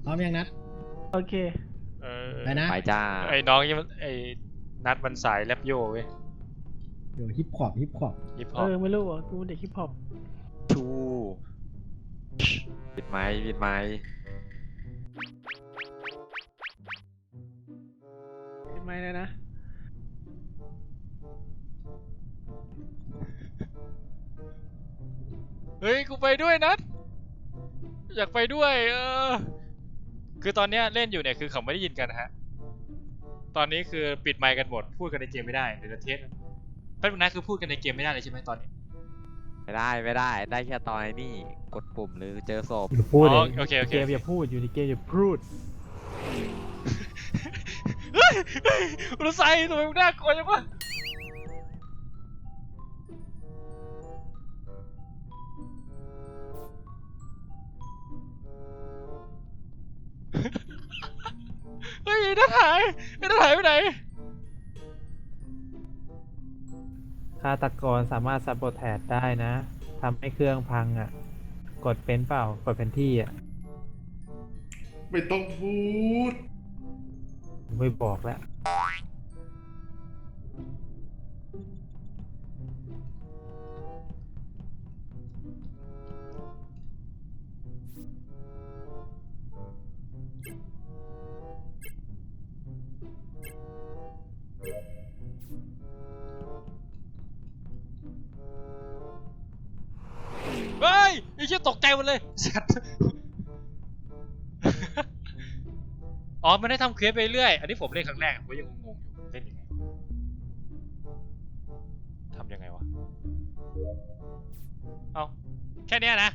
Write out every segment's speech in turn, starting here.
ร้อมยังนัดโอเคไปนะไปจ้าไอ้น้องยังไอ้นัดมันสายแรปโยเว้ยเดี๋ยวฮิปฮอปฮิปฮอปไม่รู้อ่ะกูเด็กฮิปฮอปชูปิดไม้ปิดไม้ปิดไม้เลยนะเฮ้ยกูไปด้วยนัดอยากไปด้วยคือตอนเนี้ยเล่นอยู่เนี่ยคือเขาไม่ได้ยินกันฮะตอนนี้คือปิดไมค์กันหมดพูดกันในเกมไม่ได้เดี๋ยวจะเทสแป๊บนึงนะคือพูดกันในเกมไม่ได้เลยใช่ไหมตอนนี้ไม่ได้ได้แค่ตอนนี้กดปุ่มหรือเจอศพอย่าพูดเลยโอเคเกมอย่าพูดอยู่ในเกมอย่าพูดเฮ้ยรู้ไซทำไมมึงน่ากลัวจังวะเฮ้ยนัดหายไปไหนฆาตกรสามารถซับโบแทสได้นะทำให้เครื่องพังอ่ะกดเป็นเปล่ากดเป็นที่อ่ะไม่ต้องพูดไม่บอกแล้วเฮ้ยไอ้เชี่ยตกใจหมดเลยอ๋อมันได้ทำเควสไปเรื่อยอันนี้ผมเล่นครั้งแรกผมยังงงอยู่เล่นยังไงทำยังไงวะเอาแค่นี้นะ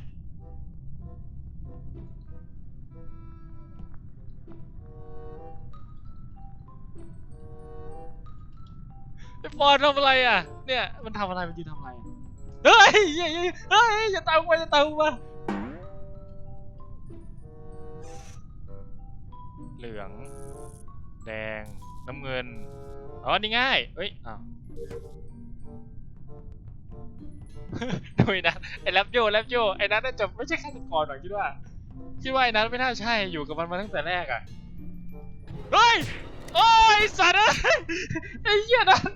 ไอ้ปอนทำอะไรอ่ะเนี่ยมันทำอะไรมันยืนทำอะไรเฮ้ยอย่าตามกูมาเหลืองแดงน้ำเงินอ๋อนี่ง่ายเฮ้ยอ้าวดูนะไอ้แรปโยไอ้นั้นน่าจะไม่ใช่ฆาตกรหรอกคิดว่าไอ้นั้นไม่น่าใช่อยู่กับมันมาตั้งแต่แรกอ่ะเฮ้ยโอ้ยสัตว์ไอ้เหี้ยนั้น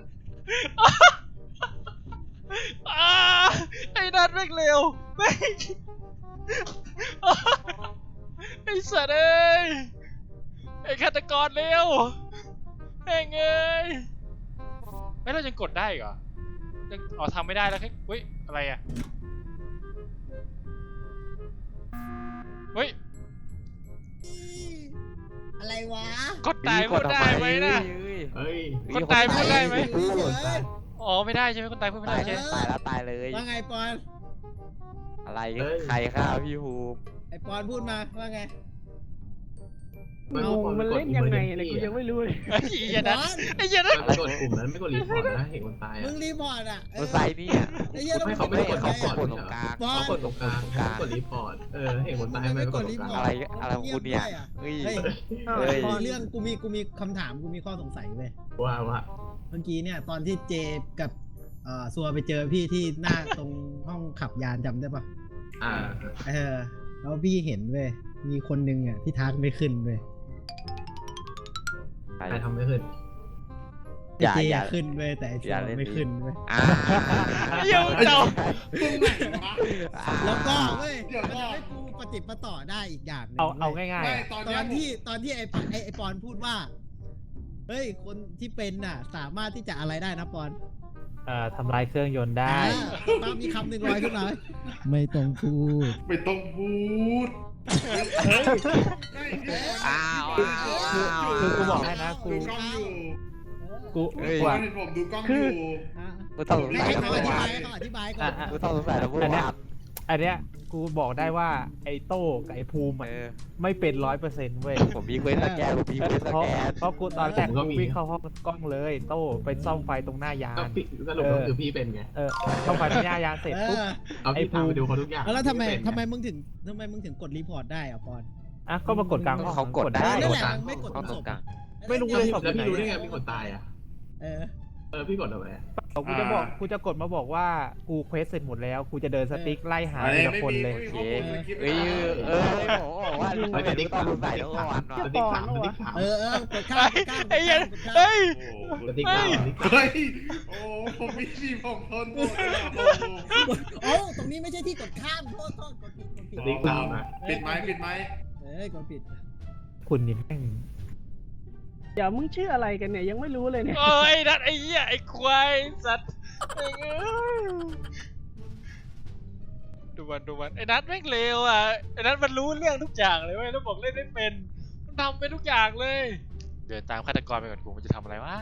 ไอ้นัดแม่งเร็วแม่งไอ้สัตว์เอ้ยไอ้ฆาตกรเร็วแม่งเอ้ยไม่เรายังกดได้เหรอยังทำไม่ได้แล้วแค่เฮ้ยอะไรอ่ะเฮ้ยอะไรวะกดตายพูดได้ไหมนะกดตายพูดได้ไหมอ๋อไม่ได้ใช่ไหมคนตายพูดไม่ได้ใช่ไหมตายแล้วตายเลยว่าไงปอนอะไรใครฆ่าพี่ภูมิไอปอนพูดมาว่าไงมันเล่นยังไงอะไรกูยังไม่รู้เลยไอ้เหี้ยนั้นกดกลุ่มนั้นไม่กดรีพอร์ตนะเห็นคนตายมึงรีพอร์ตอ่ะมันใส่นี่อ่ะไม่เขาไม่ได้กดเขากดตรงกลางเขากดตรงกลางกดรีพอร์ตเห็นคนตายไม่กดตรงกลางอะไรของคุณเนี่ยเฮ้ยเรื่องกูมีคำถามกูมีข้อสงสัยเว้ยว่าเมื่อกี้เนี่ยตอนที่เจกับซัวไปเจอพี่ที่หน้าตรงห้องขับยานจำได้ปะแล้วพี่เห็นเว้ยมีคนนึงอ่ะที่ทักไม่ขึ้นเว้ยใครทำไม่ขึ้นเจขึ้นเว้ยแต่ซัวไม่ขึ้นเว้ยเยี่ยมเจ้าแล้วก็เว้ยมันจะให้กูปฏิปต่อได้อีกอย่างนึงเอาง่ายๆตอนที่ไอปอนพูดว่าเฮ้ยคนที่เป็นน่ะสามารถที่จะอะไรได้นะปอนทำลายเครื่องยนต์ได้มีคำหนึ่งลอยขึ้นมาไม่ต้องพูดคือกูบอกให้นะกูว่าผมดูกล้องอยู่กูต้องให้เขาอธิบายก่อนกูต้องสงสัยแล้วพูดว่าอันเนี้ยกูบอกได้ว่าไอ้โต้กับไอ้ภูมิไม่เป็น100%เว้ยผมมีเควสสแกนเพราะกูตอนแรกกูวิ่งเข้าห้องกล้องเลยโต้ไปซ่อมไฟตรงหน้ายานสรุปก็คือพี่เป็นไงซ่อมไฟตรงหน้ายานเสร็จปุ๊บไอ้ภูมิดูเขาทุกอย่างแล้วทำไมมึงถึงกดรีพอร์ตได้อะปอนก็มากดกลางเขากดได้นั่นแหละไม่กดตรงศพไม่รู้เลยแล้วพี่รู้ได้ไงมีคนตายอ่ะพี่กดทำไมกูจะกดมาบอกว่ากูเควสเสร็จหมดแล้วกูจะเดินสติ๊กไล่หาทีละคนเลยโอเคเอ้ยโอ้ว่าแต่ติ๊กต้องใส่แล้ววันว่ะสติ๊กสามสติ๊กสามกดข้ามไอ้เหี้ยเฮ้ยสติ๊กสามสติ๊กสามเฮ้ย โอ้ผมมีสี่ผมทนหมดเลยอะโอ้โหโอ้ตรงนี้ไม่ใช่ที่กดข้ามโทษกดผิดสติ๊กสามนะปิดไหมปิดไหมกดผิดคุณนี่แม่งเดี๋ยวมึงชื่ออะไรกันเนี่ยยังไม่รู้เลยเนี่ยโอ้ยนัดไอ้เหี้ยไอ้ควายสัตว์ดูมันไอ้นัดแม่งเลวอ่ะไอ้นัดมันรู้เรื่องทุกอย่างเลยเว้ยแล้วบอกเล่นไม่เป็นมันทำเป็นทุกอย่างเลย เดินตามฆาตกรไปก่อนกูมันจะทำอะไรวะ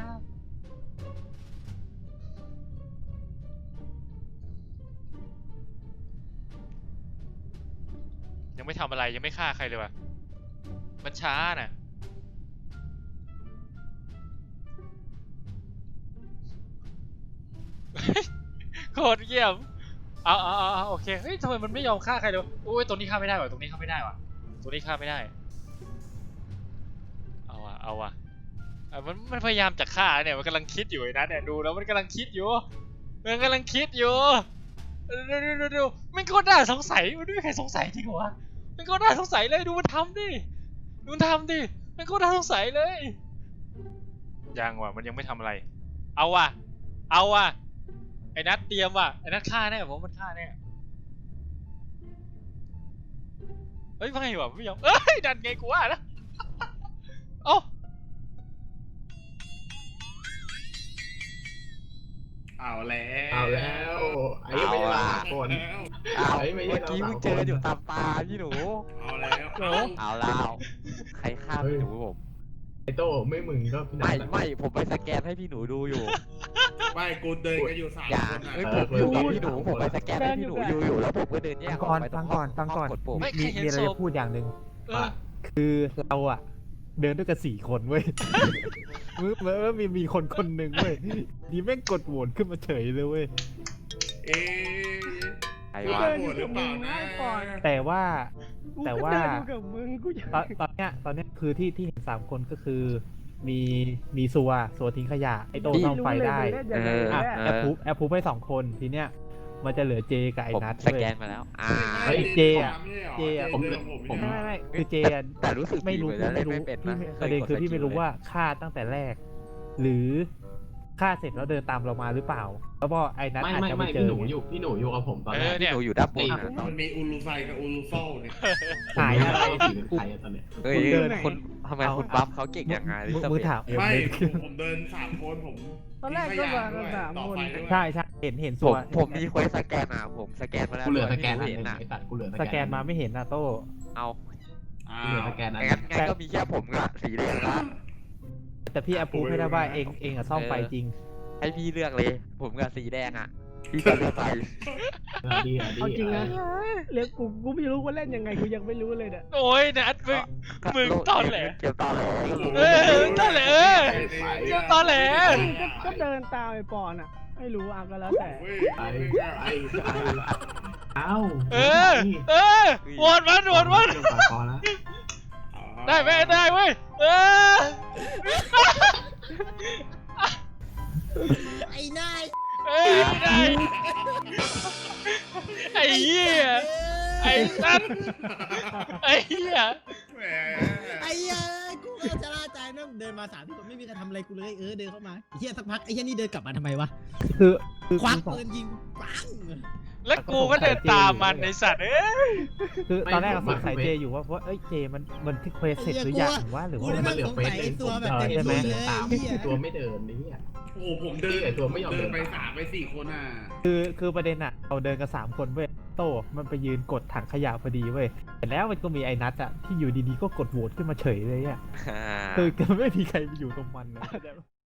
ยังไม่ทำอะไรยังไม่ฆ่าใครเลยวะมันช้าน่ะโคตรเยี่ยมเอาโอเคเฮ้ยทำไมมันไม่ยอมฆ่าใครเลยวะโอ้ยตรงนี้ฆ่าไม่ได้ว่ะตรงนี้ฆ่าไม่ได้ว่ะตรงนี้ฆ่าไม่ได้เอาว่ะมันพยายามจะฆ่าเนี่ยมันกำลังคิดอยู่ไอ้นัทเนี่ยดูแล้วมันกำลังคิดอยู่ดูมันโคตรน่าสงสัยมันไม่มีใครสงสัยจริงเหรอวะมันโคตรน่าสงสัยเลยดูมันทำดิมันโคตรน่าสงสัยเลยยังว่ะมันยังไม่ทำอะไรเอาว่ะไอ้นัทเตรียมว่ะไอ้นัทฆ่าแน่ผมมันฆ่าแน่เฮ้ยไม่ว่ะไม่ยอมเอ้ยดันไงกูว่านะเอ้าเอาแล้วเอาแล้วไอ้ไม่ใช่สามคนเมื่อกี้มึงเจออยู่ตามตาพี่หนูเอาแล้วเอาแล้วใครฆ่าพี่หนูผมไอ้โต้ไม่มึงก็พี่นัทไม่ผมไปสแกนให้พี่หนูดูอยู่ไม่กูเดินกันอยู่สามอย่าคนอะเฮ้ยผมอยู่กับพี่หนูผมไปสแกนให้พี่หนูอยู่แล้วผมก็เดินแยฟักงอก่ออก นไปฟังก่อนกดปุ่มมีอะไรจะพูดอย่างหนึ่งเออคือเราอะเดินด้วยกัน4 คนเว้ยมีคนหนึ่งเว้ยดีแม่งกดโหวตขึ้นมาเฉยเลยเว้ยเอ๊ะไอ้พี่วะว่าโหดหรือเปล่านะแต่ว่ากูแต่ก็ว่าเดินอยู่กับมึงกูจะตอนเนี้ยคือที่เห็น3 คนก็คือมีซัวทิ้งขยะไอโต้ซ่อมไฟได้ม่รู้เลยมึงเล่นยังไงอ่ะแน่แอปพูให้2 คนทีเนี้ยมันจะเหลือเจกับไอ้ผมนัทสเว้ยแกนมาแล้วเจอะผมไม่คือเจอะแต่รู้สึกไม่รู้ดีเหมือนพี่จะเล่ไม่นรู้ไม่เป็นพี่นะไม่ไม่ประเด็นยกดคือพี่สกิลไม่รู้เลยว่าฆ่าตั้งแต่แรก หรือฆ่าเสร็จแล้วเดินตามเรามาหรือเปล่า แล้วก็ไอ้นัทอาจจะไปเจอพี่หนูอยู่กับผมตอนแรกพี่หนูอยู่ด้านบนนะมันมีอูรูไซกับอูรูโซเนี่ยหายอะไรผีเป็นใครตอนเนี้ยเฮ้ยคุณเดินคุณทำไมคุณบัฟเขาเก่งอย่างไงมือถามไม่ผมเดิน3 คนผมตอนแรกก็มากันสามต่อคนไฟด้วยใช่เห็นผซัวผมมีเควสสแกนอ่ะผมสแกนมาแล้วกูเหลือสแกนอันเห็นนึงอ่ะไอ้ตัดกูเหลือสแกนมาไม่เห็นนะโต้เอาอ้ากูเหลือวสแกนอันงั้นก็มีแค่ผมกับสีแดงละแต่พี่แอปพูให้ได้ว่าเองอะซ่อมไฟจริงให้พี่เลือกเลย ผมกับสีแดงอ่ะพี่จะเลือกใครดีเอาจริงนะเรียกกูไม่รู้ว่าเล่นยังไงกูยังไม่รู้เลยเนี่ยโอ้ยนัดมึงตอนแหลเกี่ยวตอนแหลตอนแหลเกี่ยวตอนแหลก็เดินตามไอ้ปอนอ่ะไม่รู้อ่ะก็แล้วแต่ไอ้โหวตมันพอแล้วได้ไหมได้เว้ยไอ้นายได้ไอ้เหี้ยไอ้นัทไอ้เหี้ยแหมไอ้เหี้ยกูก็ชะล่าใจนะเดินมา3 คนไม่มีใครทำอะไรกูเลยเดินเข้ามาไอ้เหี้ยสักพักไอ้เหี้ยนี่เดินกลับมาทำไมวะคือควักปืนยิงปังแล้วกูก็เดินตามมันในสัตว์คือตอนแรกเราสงสัยเจอยู่ว่าเอ้ยเจมันที่เควสเสร็จหรือยังหรือว่ามันเหลือเฟสเองตัวแบบเต็มที่เลยตามตัวไม่เดินนี่อ่ะโอ้โหผมเดินไอ้ตัวไม่ยอมเดินไป3 ไป 4 คนอ่ะคือประเด็นอะเราเดินกัน3 คนเว้ยโต้มันไปยืนกดถังขยะพอดีเว้ยแต่แล้วมันก็มีไอ้นัทอะที่อยู่ดีๆก็กดโหวตขึ้นมาเฉยเลยอะคือไม่มีใครไปอยู่ตรงมันเลย